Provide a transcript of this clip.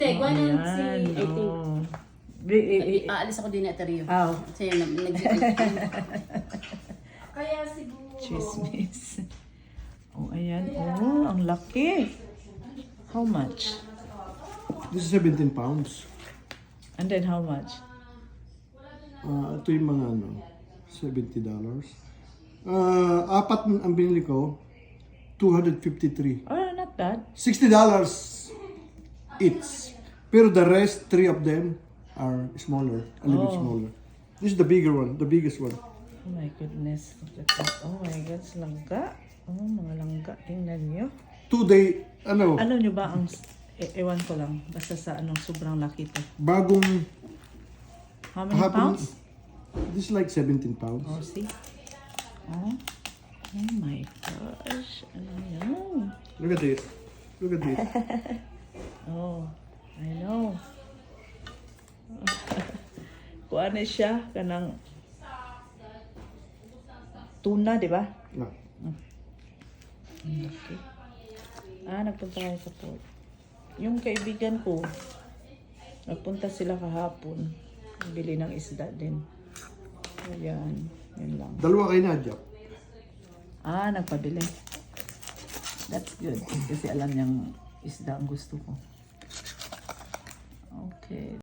Ayan, oh. Aalis ako din at Rio. Oh. Kasi Kaya siguro. Chismis. Oh, ayan. Oh, ang laki. How much? This is 17 pounds. And then how much? Ito yung mga ano, $70. Apat ang binili ko, 253. Oh, not bad. $60 each. Pero the rest, 3 of them are smaller, a little bit smaller. This is the bigger one, the biggest one. Oh my goodness. Look at that. Oh my God, langga. Oh, mga langga. Tingnan nyo. 2 day, ano, Ano nyo ba ang... ewan ko lang. Basta sa anong sobrang laki to. bagong How many hapon, pounds? this is like 17 pounds. Oh, see? Oh. Oh my gosh. Ano yan? Look at this. Look at this. Oh, I know. Kuha na siya kanang tuna, di ba? No. Okay. Nagpunta tayo sa port. Yung kaibigan ko, nagpunta sila kahapon. Bili ng isda din. Ayan, yun lang. Dalawa kayo na, Jack. Nagpabili. That's good. Kasi alam niyang isda ang gusto ko. Okay.